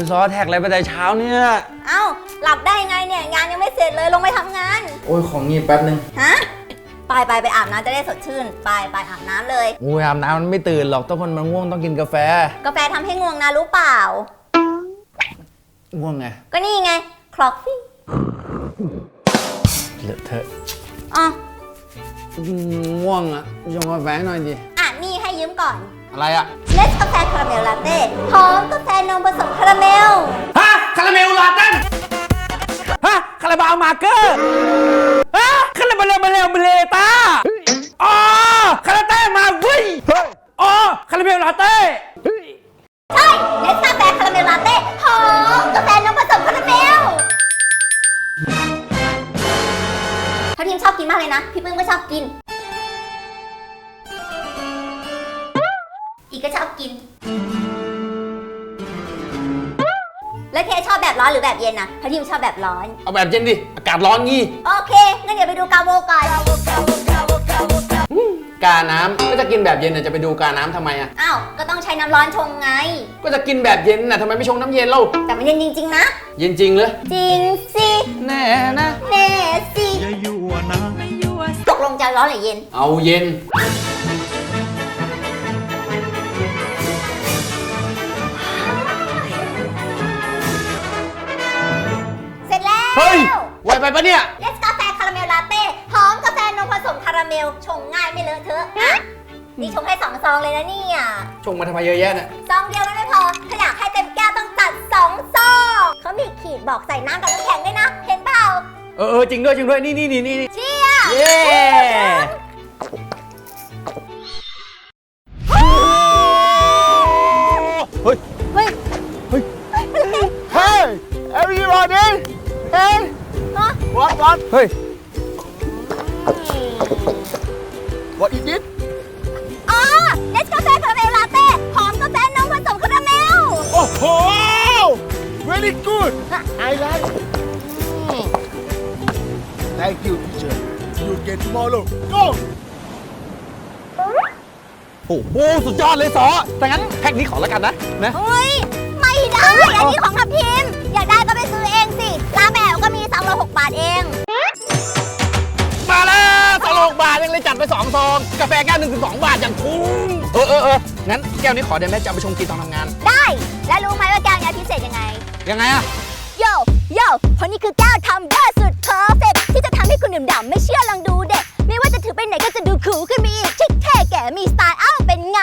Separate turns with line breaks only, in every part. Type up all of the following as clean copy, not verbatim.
ซอแท็กอะไรไปแต่เช้าเนี่ย
เอ้าหลับได้ไงเนี่ยงานยังไม่เสร็จเลยลงไปทำงาน
โอ้ยของงีบแป๊บนึง
ฮะไปอาบน้ำจะได้สดชื่นไปอาบน้ำเลย
โอ้ยอาบน้ำมันไม่ตื่นหรอกต้องคนมันง่วงต้องกินกาแฟ
ทำให้ง่วงนะรู้เปล่า
ง่วงไง
ก็นี่ไงคลอกฟี่
เหลือเธอ
อ๋อ
ง่วงอ่ะชงกาแฟหน่อยดิ
นี่ให้ยืมก่อน
อะไรอ่ะ
เนสกาแฟคาราเมลลาเต้หอมกาแฟนมผสมคาราเมล
ฮะคาราเมลลาเต้ฮะคาราบาวมาร์เกอร์ฮะคาราเมลเบลต้าอ๋อคาราเต้มาวิ่งอ๋อคาราเมลลาเต้
ใช่เนสกาแฟคาราเมลลาเต้หอมกาแฟนมผสมคาราเมลพี่พิมชอบกินมากเลยนะพี่ปื้มก็ชอบกินอีกก็ชอบกินแล้วเคชอบแบบร้อนหรือแบบเย็นนะพี่พิมชอบแบบร้อน
เอาแบบเย็นดิอากาศร้อนงี้
โอเคงั้นเดี๋ยวไปดูกาโวก่อน
กาน้ำก็จะกินแบบเย็นน่ะจะไปดูกาน้ำทำไมอ่ะ
อ้าวก็ต้องใช้น้ำร้อนชงไง
ก็จะกินแบบเย็นน่ะทำไมไม่ชงน้ำเย็นเล่า
แต่มันเย็นจริงๆนะ
เย็นจริงเลย
จริงสิ
แน่นะ
แน่สิอย่ายั่วนะไม่ยั่วตกลงจะร้อนหรือเย็น
เอาเย็น
เสร็จแล้ว
เฮ้ยไวไปปะเนี่ย
เลสกาแฟคาราเมลลาเต้หอมกาแฟนมผสมคาราเมลชงง่ายไม่เลอะเทอะนี่ชงให้2 ซองเลยนะเนี่ย
ชงมาทำไมเยอะแยะเนี่ย
ซองเดียวมันไม่พอถ้าอยากให้เต็มแก้วต้องจัด2 ซองเขามีขีดบอกใส่น้ำกับน้ำแข็งด้วยนะเห็นเปล่า
จริงด้วยนี่
เชียร์
เย้เฮ้ยeverybody hey what เฮ้ย what is it
อ๋อเนสกาแฟคาราเมลลาเต้หอมกาแฟนมผสมคาราเมล
โอ้โห very good I like thank you teacher you get tomorrow go
โอ้โหสุดยอดเลยสอแต่งั้นแพ็คนี้ขอแล้วกันนะ
เฮ้ยไม่ได้อันนี้ของทัพทิมอยากได้ก็ไปซื้อเองสิร้านแมวก็มี306 บาทเอง
มาแล้ว206 บาทยังเลยจัดไป2 ซองกาแฟแก้ว1 ถึง 2 บาทอย่างคุ้มงั้นแก้วนี้ขอได้ไหมจะเอาไปชงกินตอนทำงาน
ได้และรู้ไหมว่าแก้วนี้พิเศษยังไง
อะ
โย่เพราะนี่คือแก้วทัมเบอร์สุดเพอร์เฟคที่จะทำให้คุณดื่มด่ำไม่เชื่อลองดูเด็กไม่ว่าจะถือไปไหนก็จะดูคูลขึ้นมีอีกชิคเท่แก่มีสไตล์เป็นไง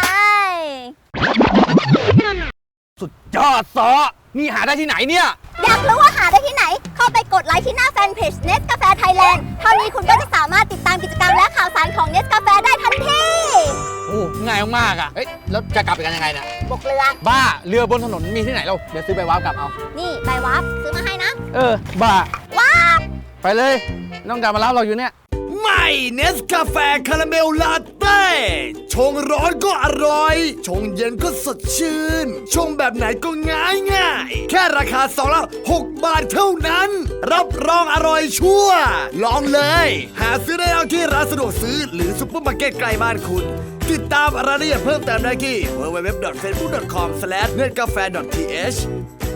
สุดยอดซอนี่หาได้ที่ไหนเนี่ย
อยากรู้ว่าหาได้ที่ไหนเข้าไปกดไลค์ที่หน้าแฟนเพจ Nescafe Thailand เท่านี้คุณก็จะสามารถติดตามกิจกรรมและข่าวสารของ Nescafe ได้ทันที
ง่ายมากอ่ะแล้วจะกลับไปกันยังไงเนี่ย
บกเรือ
บ้าเรือบนถนนมีที่ไหนเราเดี๋ยวซื้อใบวาร์ปกลับเอา
นี่ใบวาร์ปซื้อมาให้นะ
บ้า
ว้า
ไปเลยน้องดามารับเราอยู่เนี่ย
ไม่เนสกาแฟคาราเมลลาเต้ชงร้อนก็อร่อยชงเย็นก็สดชื่นชงแบบไหนก็ง่ายแค่ราคา2 ละ6 บาทเท่านั้นรับรองอร่อยชัวร์ลองเลยหาซื้อได้แล้วที่ร้านสะดวกซื้อหรือซุปเปอร์มาร์เก็ตใกล้บ้านคุณติดตามรายละเอียดเพิ่มเติมได้ที่ www.facebook.com/netcafe.th